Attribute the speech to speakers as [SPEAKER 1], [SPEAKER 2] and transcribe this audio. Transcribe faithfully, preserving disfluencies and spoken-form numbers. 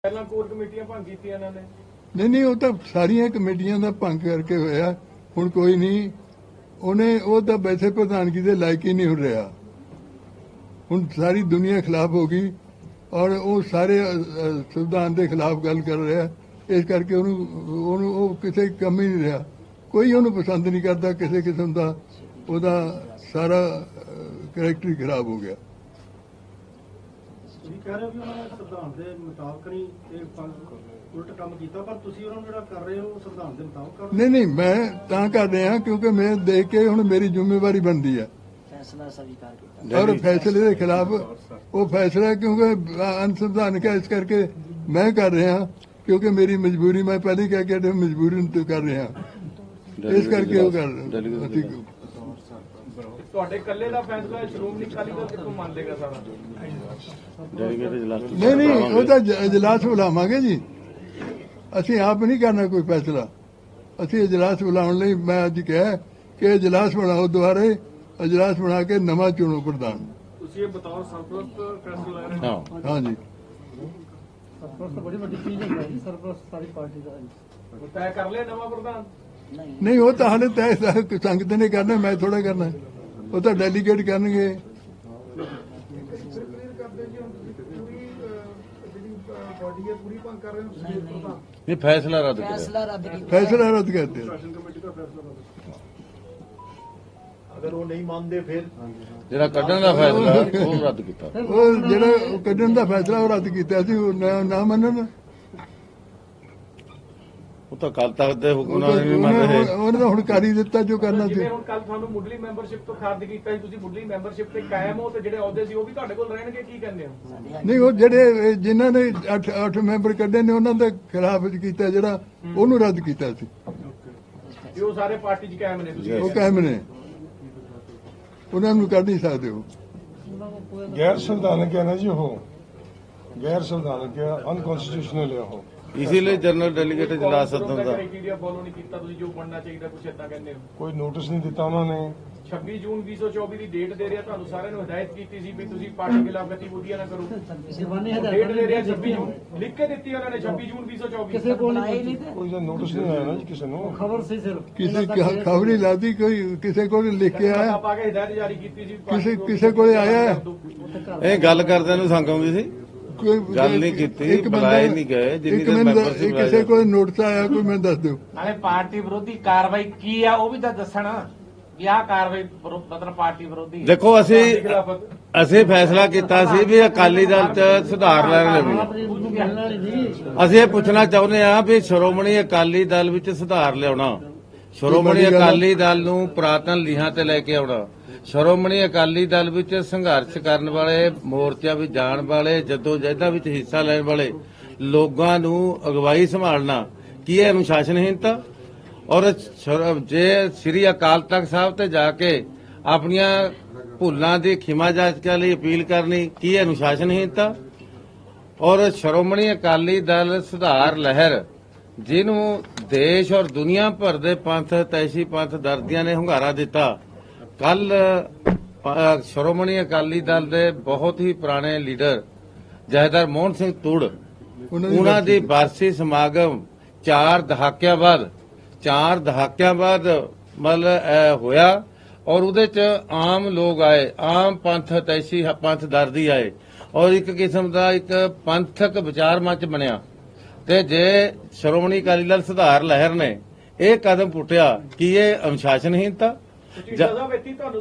[SPEAKER 1] ਪਹਿਲਾਂ ਕੋਰ ਕਮੇਟੀਆਂ ਭੰਗ ਕੀਤੀਆਂ ਇਹਨਾਂ ਨੇ।
[SPEAKER 2] ਨਹੀਂ ਨਹੀਂ ਉਹ ਤਾਂ ਸਾਰੀਆਂ ਕਮੇਟੀਆਂ ਦਾ ਭੰਗ ਕਰਕੇ ਹੋਇਆ। ਹੁਣ ਕੋਈ ਨਹੀਂ, ਉਹਨੇ ਉਹ ਤਾਂ ਵੈਸੇ ਪ੍ਰਧਾਨਗੀ ਦੇ ਲਾਇਕ ਹੀ ਨਹੀਂ ਹੋ ਰਿਹਾ। ਹੁਣ ਸਾਰੀ ਦੁਨੀਆ ਖਿਲਾਫ ਹੋ ਗਈ ਔਰ ਉਹ ਸਾਰੇ ਸੰਵਿਧਾਨ ਦੇ ਖਿਲਾਫ ਗੱਲ ਕਰ ਰਿਹਾ। ਇਸ ਕਰਕੇ ਉਹਨੂੰ ਉਹਨੂੰ ਉਹ ਕਿਸੇ ਕੰਮ ਹੀ ਨਹੀਂ ਰਿਹਾ। ਕੋਈ ਉਹਨੂੰ ਪਸੰਦ ਨਹੀਂ ਕਰਦਾ ਕਿਸੇ ਕਿਸਮ ਦਾ। ਉਹਦਾ ਸਾਰਾ ਕਰੈਕਟਰ ਹੀ ਖਰਾਬ ਹੋ ਗਿਆ।
[SPEAKER 3] ਤੁਸੀਂ ਕਹਿ ਰਹੇ ਹੋ ਵੀ ਉਹਨਾਂ ਨੇ ਸੰਵਿਧਾਨ ਦੇ ਮੁਤਾਬਕ ਨਹੀਂ ਇਹ ਉਲਟ ਕੰਮ ਕੀਤਾ, ਪਰ ਤੁਸੀਂ ਉਹਨਾਂ ਨੂੰ ਜਿਹੜਾ ਕਰ ਰਹੇ ਹੋ ਸੰਵਿਧਾਨ ਦੇ ਮੁਤਾਬਕ ਕਰ ਰਹੇ ਹੋ।
[SPEAKER 2] ਨਹੀਂ ਨਹੀਂ ਮੈਂ ਤਾਂ ਕਰ ਰਿਹਾ ਕਿਉਂਕਿ ਮੈਂ ਦੇਖ ਕੇ ਹੁਣ ਮੇਰੀ ਜ਼ਿੰਮੇਵਾਰੀ ਬਣਦੀ ਹੈ
[SPEAKER 4] फैसला स्वीकार किया
[SPEAKER 2] ਔਰ ਫੈਸਲੇ ਦੇ ਖਿਲਾਫ ਉਹ ਫੈਸਲਾ ਕਿਉਂਕਿ ਅਨਸੰਵਿਧਾਨਕ ਹੈ, ਇਸ ਕਰਕੇ ਮੈਂ ਕਰ ਰਿਹਾ ਕਿਉਂਕਿ ਮੇਰੀ ਮਜਬੂਰੀ। ਮੈਂ ਪਹਿਲੇ ਕਹਿ ਕੇ ਹਟਿਆ, ਮਜਬੂਰੀ ਤੋਂ ਕਰ ਰਿਹਾ, ਇਸ ਕਰਕੇ ਉਹ ਕਰ ਅਸੀਂ
[SPEAKER 1] ਤੁਹਾਡੇ ਇਕੱਲੇ ਦਾ ਫੈਸਲਾ ਸ਼੍ਰੋਮਣੀ ਅਕਾਲੀ ਦਲ ਕਿੱਥੋਂ ਮੰਨ ਲੇਗਾ ਸਾਰਾ?
[SPEAKER 2] ਨਹੀਂ ਨਹੀਂ ਉਹ ਤਾਂ ਇਜਲਾਸ ਬੁਲਾਵਾਂਗੇ ਜੀ। ਅਸੀਂ ਆਪ ਨਹੀਂ ਕਰਨਾ ਕੋਈ ਫੈਸਲਾ। ਅਸੀਂ ਇਜਲਾਸ ਬੁਲਾਉਣ ਲਈ ਮੈਂ ਅੱਜ ਕਿਹਾ ਕਿ ਇਜਲਾਸ ਬਣਾਓ, ਦੁਬਾਰੇ ਇਜਲਾਸ ਬਣਾ ਕੇ ਨਵਾਂ ਚੁਣੋ ਪ੍ਰਧਾਨ।
[SPEAKER 1] ਤੁਸੀਂ ਇਹ ਬਤੌਰ ਸਰਪ੍ਰਸਤ ਫੈਸਲਾ ਲੈ ਰਹੇ ਹੋ?
[SPEAKER 2] ਹਾਂਜੀ
[SPEAKER 3] ਸਰਪ੍ਰਸਤ ਬੜੀ ਵੱਡੀ ਚੀਜ਼ ਹੈ ਜੀ। ਸਰਪ੍ਰਸਤ ਸਾਰੀ ਪਾਰਟੀ ਦਾ
[SPEAKER 1] ਉਹ ਤੈਅ ਕਰ ਲਿਆ ਨਵਾਂ ਪ੍ਰਧਾਨ?
[SPEAKER 4] नहीं
[SPEAKER 2] ਨਹੀਂ ਉਹ ਤਾਂ ਹਾਲੇ ਤੈਅ ਸੰਗਤ ਨੇ ਕਰਨਾ, ਮੈਂ ਥੋੜਾ ਕਰਨਾ। ਉਹ ਤਾਂ ਡੈਲੀਗੇਟ ਕਰਨਗੇ।
[SPEAKER 5] ਇਹ ਫੈਸਲਾ ਰੱਦ ਕਰਿਆ।
[SPEAKER 4] फैसला रद्द किया
[SPEAKER 2] ਫੈਸਲਾ ਰੱਦ ਕਰਦੇ
[SPEAKER 3] ਅਗਰ ਉਹ ਨਹੀਂ ਮੰਨਦੇ ਫਿਰ
[SPEAKER 5] ਜਿਹੜਾ ਕੱਢਣ ਦਾ ਫੈਸਲਾ ਉਹ ਰੱਦ ਕੀਤਾ।
[SPEAKER 2] ਉਹ ਜਿਹੜਾ ਉਹ ਕੱਢਣ ਦਾ ਫੈਸਲਾ ਉਹ ਰੱਦ ਕੀਤਾ ਸੀ। ਉਹ ਨਾ- ਨਾ ਮੰਨਣ
[SPEAKER 5] ਉਹ ਤਾਂ ਕੱਲ ਤੱਕ ਦੇ ਹੁਕਮ
[SPEAKER 2] ਉਹ
[SPEAKER 5] ਨਾਲ
[SPEAKER 2] ਤਾਂ
[SPEAKER 5] ਨਹੀਂ ਮੰਨ ਰਹੇ।
[SPEAKER 2] ਉਹਨੇ ਉਹਨੇ ਤਾਂ ਹੁਣ ਕਰ ਹੀ ਦਿੱਤਾ ਜੋ ਕਰਨਾ ਸੀ।
[SPEAKER 1] ਜਿਵੇਂ ਹੁਣ ਕੱਲ ਤੁਹਾਨੂੰ ਮੁੱਢਲੀ ਮੈਂਬਰਸ਼ਿਪ ਤੋਂ ਖਾਰਜ ਕੀਤਾ ਸੀ, ਤੁਸੀਂ ਮੁੱਢਲੀ ਮੈਂਬਰਸ਼ਿਪ ਤੇ ਕਾਇਮ ਹੋ ਤੇ ਜਿਹੜੇ ਅਹੁਦੇ ਸੀ ਉਹ ਵੀ ਤੁਹਾਡੇ ਕੋਲ ਰਹਿਣਗੇ, ਕੀ ਕਹਿੰਦੇ ਹੋ?
[SPEAKER 2] ਨਹੀਂ ਉਹ ਜਿਹੜੇ ਜਿਨ੍ਹਾਂ ਨੇ ਅੱਠ ਅੱਠ ਮੈਂਬਰ ਕੱਢੇ ਨੇ ਉਹਨਾਂ ਦੇ ਖਿਲਾਫ ਕੀਤਾ, ਜਿਹੜਾ ਉਹਨੂੰ ਰੱਦ ਕੀਤਾ ਸੀ।
[SPEAKER 1] ਵੀ ਉਹ ਸਾਰੇ ਪਾਰਟੀ 'ਚ ਕਾਇਮ ਨੇ ਤੁਸੀਂ?
[SPEAKER 2] ਉਹ ਕਾਇਮ ਨੇ, ਉਹਨਾਂ ਨੂੰ ਕੱਢ ਨਹੀਂ ਸਕਦੇ। ਉਹ
[SPEAKER 6] गैर संवैधानिक है ना जी, हो गैर संवैधानिक है, अनकॉन्स्टिट्यूशनल है। हो
[SPEAKER 5] ਇਸੇ ਲਈ ਜਨਰਲ ਡੈਲੀਗੇਟ ਇਜਲਾਸ ਸੱਦਣ ਦਾ
[SPEAKER 1] ਕ੍ਰਾਈਟੇਰੀਆ ਫੋਲੋ ਨਹੀਂ ਕੀਤਾ ਤੁਸੀਂ, ਜੋ ਬਣਨਾ ਚਾਹੀਦਾ ਕੁਛ ਏਦਾਂ ਕਹਿੰਦੇ ਹੋ।
[SPEAKER 6] कोई नोटिस नहीं दिता उन्होंने।
[SPEAKER 1] ਛੱਬੀ ਜੂਨ ਵੀਹ ਸੌ ਚੌਵੀ ਦੀ ਡੇਟ ਦੇ ਰਿਹਾ, ਤੁਹਾਨੂੰ ਸਾਰਿਆਂ ਨੂੰ ਹਦਾਇਤ ਕੀਤੀ ਸੀ ਵੀ ਤੁਸੀਂ ਪਾਰਟੀ ਖਿਲਾਫ ਗਤੀਵਿਧੀਆਂ ਨਾ ਕਰੋ। ਡੇਟ ਦੇ ਰਿਹਾ ਛੱਬੀ ਜੂਨ, ਲਿਖ ਕੇ ਦਿੱਤੀ ਉਹਨਾਂ ਨੇ ਛੱਬੀ ਜੂਨ ਵੀਹ ਸੌ ਚੌਵੀ।
[SPEAKER 3] ਕਿਸੇ ਕੋਲ
[SPEAKER 4] बनाए नहीं थे
[SPEAKER 6] कोई जो नोटिस नहीं आया ना जी किसी ने।
[SPEAKER 3] ਖਬਰ ਸੀ ਸਿਰਫ
[SPEAKER 2] ਕਿਸੇ ਖਬਰ ਨਹੀਂ ਲਾਦੀ, ਕੋਈ ਕਿਸੇ ਕੋਲ ਲਿਖ ਕੇ ਆਇਆ,
[SPEAKER 1] ਪਾ ਕੇ ਹਦਾਇਤ ਜਾਰੀ ਕੀਤੀ ਸੀ।
[SPEAKER 2] ਕਿਸੇ ਕਿਸੇ ਕੋਲੇ ਆਇਆ ਹੈ?
[SPEAKER 5] ਇਹ ਗੱਲ ਕਰਦਿਆਂ ਨੂੰ ਸੰਗ ਆਉਂਦੀ ਸੀ।
[SPEAKER 2] ਕੋਈ
[SPEAKER 5] ਗੱਲ ਨਹੀਂ ਕੀਤੀ,
[SPEAKER 2] ਇੱਕ ਬੰਦਾ-
[SPEAKER 5] ਬੁਲਾਏ ਨਹੀਂ ਗਏ, ਜਿੰਨੀ
[SPEAKER 2] ਇੱਕ
[SPEAKER 5] ਦੇਰ
[SPEAKER 2] ਮੈਨੂੰ
[SPEAKER 5] membership
[SPEAKER 2] ਕਿਸੇ
[SPEAKER 5] ਲਾਇਆ
[SPEAKER 2] ਕੋਲ ਨੋਟਿਸ ਆਇਆ, ਕੋਈ ਮੈਨੂੰ ਦੱਸ ਦਿਓ।
[SPEAKER 7] ਨਾਲੇ ਪਾਰਟੀ ਵਿਰੋਧੀ ਕਾਰਵਾਈ ਕੀ ਆ ਉਹ ਵੀ ਤਾਂ ਦੱਸਣ ਵੀ ਆਹ ਕਾਰਵਾਈ ਵਿਰੋ- ਮਤਲਬ ਪਾਰਟੀ ਵਿਰੋਧੀ।
[SPEAKER 5] ਦੇਖੋ ਅਸੀਂ ਅਸੀਂ ਫੈਸਲਾ ਕੀਤਾ ਸੀ ਵੀ ਅਕਾਲੀ ਦਲ ਚ ਸੁਧਾਰ ਲੈਣ ਲਈ। ਅਸੀਂ ਇਹ ਪੁੱਛਣਾ ਚਾਹੁੰਦੇ ਹਾਂ ਵੀ ਸ਼੍ਰੋਮਣੀ ਅਕਾਲੀ ਦਲ ਵਿੱਚ ਸੁਧਾਰ ਲਿਆਉਣਾ, ਸ਼੍ਰੋਮਣੀ ਅਕਾਲੀ ਦਲ ਨੂੰ ਪੁਰਾਤਨ ਲੀਹਾਂ ਤੇ ਲੈ ਕੇ ਆਉਣਾ, ਸ਼੍ਰੋਮਣੀ ਅਕਾਲੀ ਦਲ ਵਿੱਚ ਸੰਘਰਸ਼ ਕਰਨ ਵਾਲੇ, ਮੋਰਚਿਆਂ ਵਿੱਚ ਜਾਣ ਵਾਲੇ, ਜੱਦੋ ਜਹਿਦਾਂ ਵਿੱਚ ਹਿੱਸਾ ਲੈਣ ਵਾਲੇ ਲੋਕਾਂ ਨੂੰ ਅਗਵਾਈ ਸੰਭਾਲਣਾ, ਕੀ ਇਹ ਅਨੁਸ਼ਾਸਨਹੀਨਤਾ? ਔਰ ਜੇ ਸ੍ਰੀ ਅਕਾਲ ਤਖਤ ਸਾਹਿਬ ਤੇ ਜਾ ਕੇ ਆਪਣੀਆਂ ਭੁੱਲਾਂ ਦੀ ਖਿਮਾ ਜਾਚਕਾਂ ਲਈ ਅਪੀਲ ਕਰਨੀ, ਕੀ ਇਹ ਅਨੁਸ਼ਾਸਨਹੀਨਤਾ? ਔਰ ਸ਼੍ਰੋਮਣੀ ਅਕਾਲੀ ਦਲ ਸੁਧਾਰ ਲਹਿਰ, ਜਿਹਨੂੰ ਦੇਸ਼ ਔਰ ਦੁਨੀਆ ਭਰ ਦੇ ਪੰਥ ਤੈਸੀ ਪੰਥ ਦਰਦੀਆਂ ਨੇ ਹੁੰਗਾਰਾ ਦਿੱਤਾ। ਕੱਲ ਸ਼੍ਰੋਮਣੀ ਅਕਾਲੀ ਦਲ ਦੇ ਬਹੁਤ ਹੀ ਪੁਰਾਣੇ ਲੀਡਰ ਜਥੇਦਾਰ ਮੋਹਨ ਸਿੰਘ ਤੁੜ, ਉਹਨਾਂ ਦੀ ਬਰਸੀ ਸਮਾਗਮ ਚਾਰ ਦਹਾਕਿਆਂ ਬਾਅਦ ਚਾਰ ਦਹਾਕਿਆਂ ਬਾਅਦ ਮਤਲਬ ਹੋਇਆ ਔਰ ਉਹਦੇ ਚ ਆਮ ਲੋਕ ਆਏ, ਆਮ ਪੰਥ ਤੈਸੀ ਪੰਥ ਦਰਦੀ ਆਏ ਔਰ ਇੱਕ ਕਿਸਮ ਦਾ ਇੱਕ ਪੰਥਕ ਵਿਚਾਰ ਮੰਚ ਬਣਿਆ। ਤੇ ਜੇ ਸ਼੍ਰੋਮਣੀ ਅਕਾਲੀ ਦਲ ਸੁਧਾਰ ਲਹਿਰ ਨੇ ਇਹ ਕਦਮ ਪੁੱਟਿਆ, ਕੀ ਇਹ ਅਨੁਸ਼ਾਸਨਹੀਨਤਾ?
[SPEAKER 1] ਤੁਸੀਂ ਸਜ਼ਾ ਵੇਤੀ ਤੁਹਾਨੂੰ